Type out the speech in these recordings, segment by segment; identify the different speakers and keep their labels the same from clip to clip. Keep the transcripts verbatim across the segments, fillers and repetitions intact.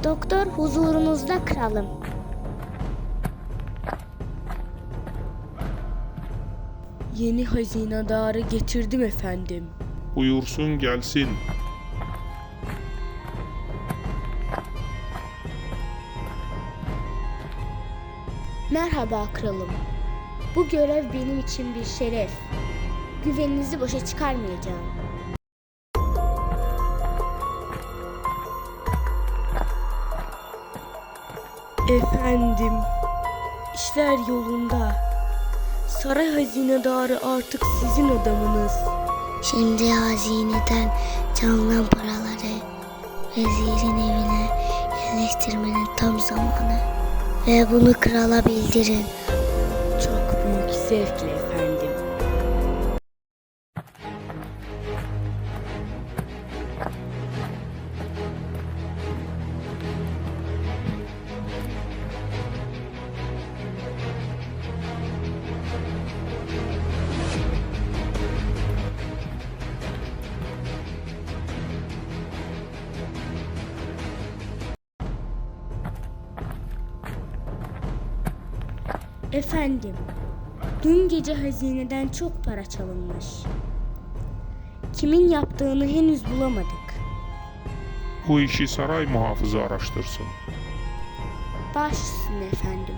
Speaker 1: Doktor huzurunuzda kralım.
Speaker 2: Yeni hazinedarı getirdim efendim.
Speaker 3: Buyursun gelsin.
Speaker 1: Merhaba kralım. Bu görev benim için bir şeref. Güveninizi boşa çıkarmayacağım.
Speaker 2: Efendim, işler yolunda. Saray hazinedarı artık sizin adamınız.
Speaker 4: Şimdi hazineden çalınan paraları vezirin evine yerleştirmenin tam zamanı. Ve bunu krala bildirin.
Speaker 2: Çok büyük zevkle efendim.
Speaker 1: Efendim, dün gece hazineden çok para çalınmış. Kimin yaptığını henüz bulamadık.
Speaker 3: Bu işi saray muhafızı araştırsın.
Speaker 1: Baş üstüne efendim.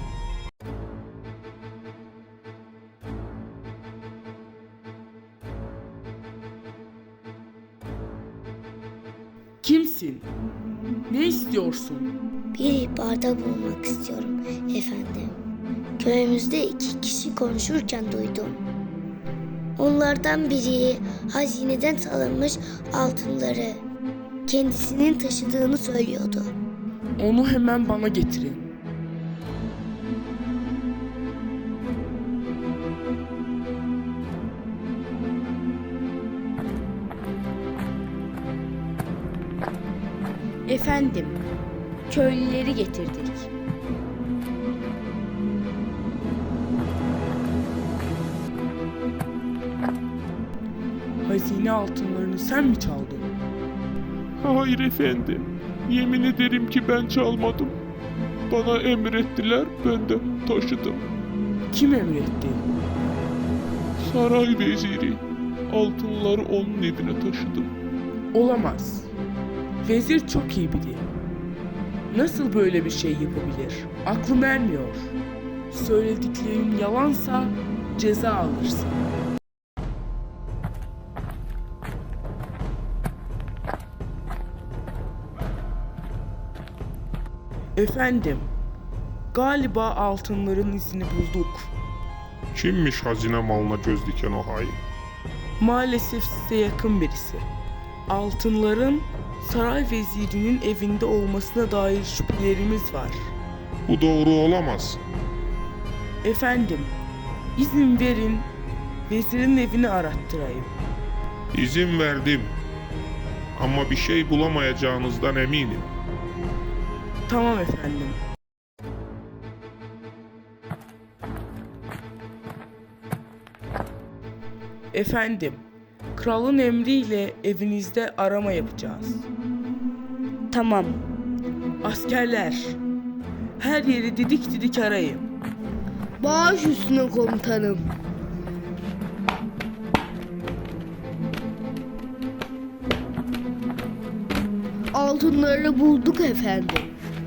Speaker 2: Kimsin? Ne istiyorsun?
Speaker 4: Bir ihbarda bulunmak istiyorum efendim. Köyümüzde iki kişi konuşurken duydum. Onlardan biri hazineden çalınmış altınları kendisinin taşıdığını söylüyordu.
Speaker 2: Onu hemen bana getirin.
Speaker 1: Efendim, köylüleri getirdik.
Speaker 2: Hazine altınlarını sen mi çaldın?
Speaker 3: Hayır efendim. Yemin ederim ki ben çalmadım. Bana emrettiler, ben de taşıdım.
Speaker 2: Kim emretti?
Speaker 3: Saray veziri. Altınları onun evine taşıdım.
Speaker 2: Olamaz. Vezir çok iyi biri. Nasıl böyle bir şey yapabilir? Aklım ermiyor. Söylediklerim yalansa ceza alırsın. Efendim, galiba altınların izini bulduk.
Speaker 3: Kimmiş hazine malına göz diken o hain?
Speaker 2: Maalesef size yakın birisi. Altınların saray vezirinin evinde olmasına dair şüphelerimiz var.
Speaker 3: Bu doğru olamaz.
Speaker 2: Efendim, izin verin, vezirin evini arattırayım.
Speaker 3: İzin verdim. Ama bir şey bulamayacağınızdan eminim.
Speaker 2: Tamam efendim. Efendim, kralın emriyle evinizde arama yapacağız.
Speaker 1: Tamam.
Speaker 2: Askerler, her yeri didik didik arayın.
Speaker 1: Baş üstüne komutanım. Altınları bulduk efendim.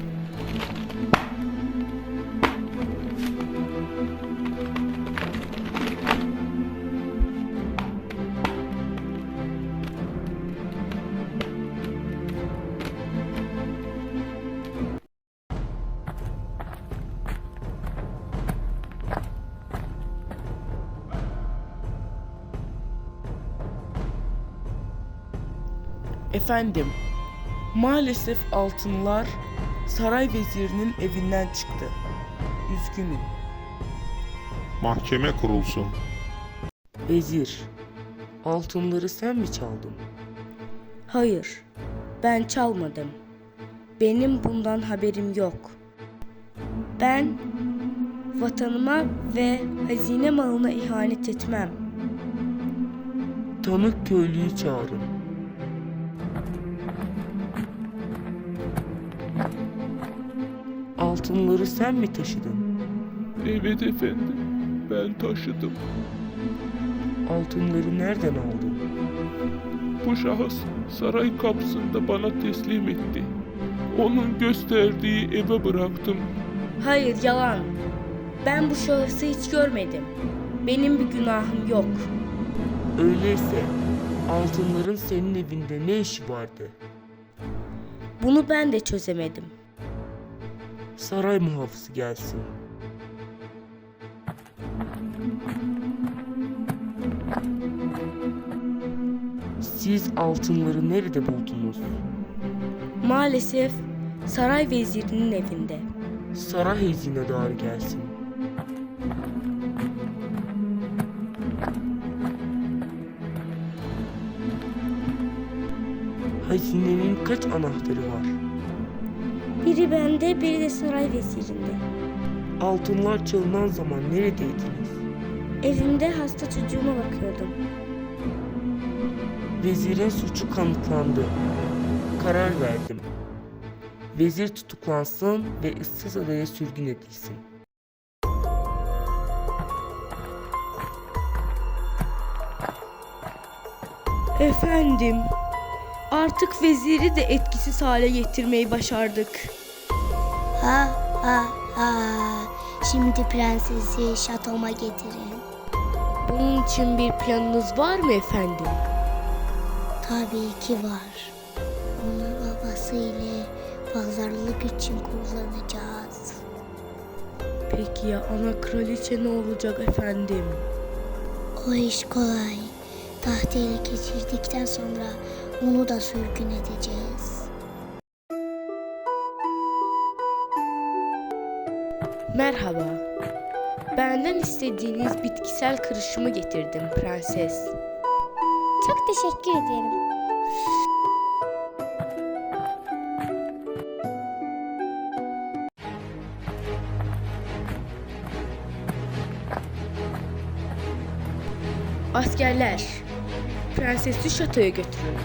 Speaker 2: Efendim, maalesef altınlar saray vezirinin evinden çıktı. Üzgünüm.
Speaker 3: Mahkeme kurulsun.
Speaker 2: Vezir, altınları sen mi çaldın?
Speaker 1: Hayır, ben çalmadım. Benim bundan haberim yok. Ben vatanıma ve hazine malına ihanet etmem.
Speaker 2: Tanık köylüyü çağırın. Altınları sen mi taşıdın?
Speaker 3: Evet efendim, ben taşıdım.
Speaker 2: Altınları nereden aldın?
Speaker 3: Bu şahıs saray kapısında bana teslim etti. Onun gösterdiği eve bıraktım.
Speaker 1: Hayır, yalan. Ben bu şahısı hiç görmedim. Benim bir günahım yok.
Speaker 2: Öyleyse altınların senin evinde ne işi vardı?
Speaker 1: Bunu ben de çözemedim.
Speaker 2: Saray muhafızı gelsin. Siz altınları nerede buldunuz?
Speaker 1: Maalesef saray vezirinin evinde.
Speaker 2: Saray hazinedarı gelsin. Hazinenin kaç anahtarı var?
Speaker 1: Biri bende, biri de saray vezirinde.
Speaker 2: Altınlar çalınan zaman neredeydiniz?
Speaker 1: Evimde hasta çocuğuma bakıyordum.
Speaker 2: Vezirin suçu kanıtlandı. Karar verdim. Vezir tutuklansın ve ıssız adaya sürgün edilsin.
Speaker 1: Efendim, artık veziri de etkisiz hale getirmeyi başardık.
Speaker 4: Ha ha ha. Şimdi prensesi şatoma getirin.
Speaker 1: Bunun için bir planınız var mı efendim?
Speaker 4: Tabii ki var. Onu babası ile pazarlık için kullanacağız.
Speaker 1: Peki ya ana kraliçe ne olacak efendim?
Speaker 4: O iş kolay. Tahtı ele geçirdikten sonra onu da sürgün edeceğiz.
Speaker 1: Merhaba. Benden istediğiniz bitkisel karışımı getirdim prenses.
Speaker 4: Çok teşekkür ederim.
Speaker 1: Askerler, prensesi şatoya götürün.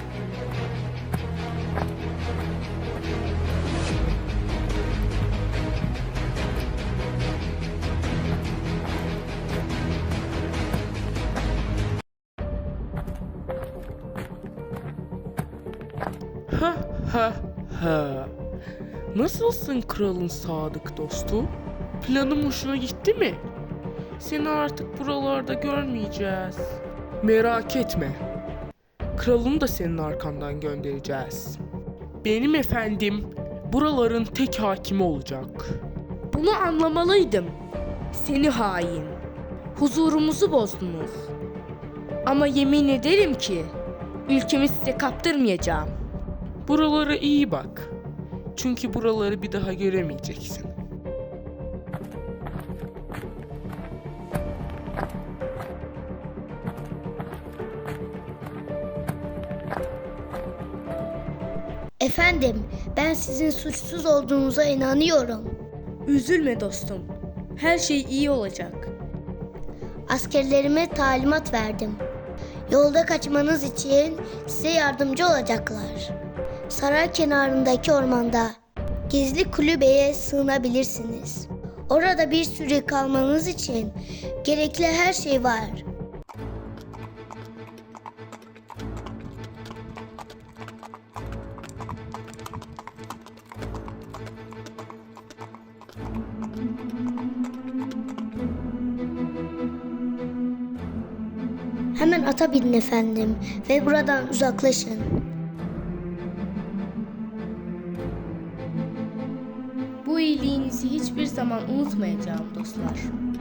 Speaker 2: Ha ha ha. Nasılsın kralın sadık dostu? Planım hoşuna gitti mi? Seni artık buralarda görmeyeceğiz. Merak etme. Kralını da senin arkandan göndereceğiz. Benim efendim buraların tek hakimi olacak.
Speaker 1: Bunu anlamalıydım. Seni hain. Huzurumuzu bozdunuz. Ama yemin ederim ki ülkemi size kaptırmayacağım.
Speaker 2: Buralara iyi bak. Çünkü buraları bir daha göremeyeceksin.
Speaker 4: Efendim, ben sizin suçsuz olduğunuza inanıyorum.
Speaker 1: Üzülme dostum. Her şey iyi olacak.
Speaker 4: Askerlerime talimat verdim. Yolda kaçmanız için size yardımcı olacaklar. Saray kenarındaki ormanda gizli kulübeye sığınabilirsiniz. Orada bir süre kalmanız için gerekli her şey var. Hemen ata binin efendim ve buradan uzaklaşın.
Speaker 1: Bu iyiliğinizi hiçbir zaman unutmayacağım dostlar.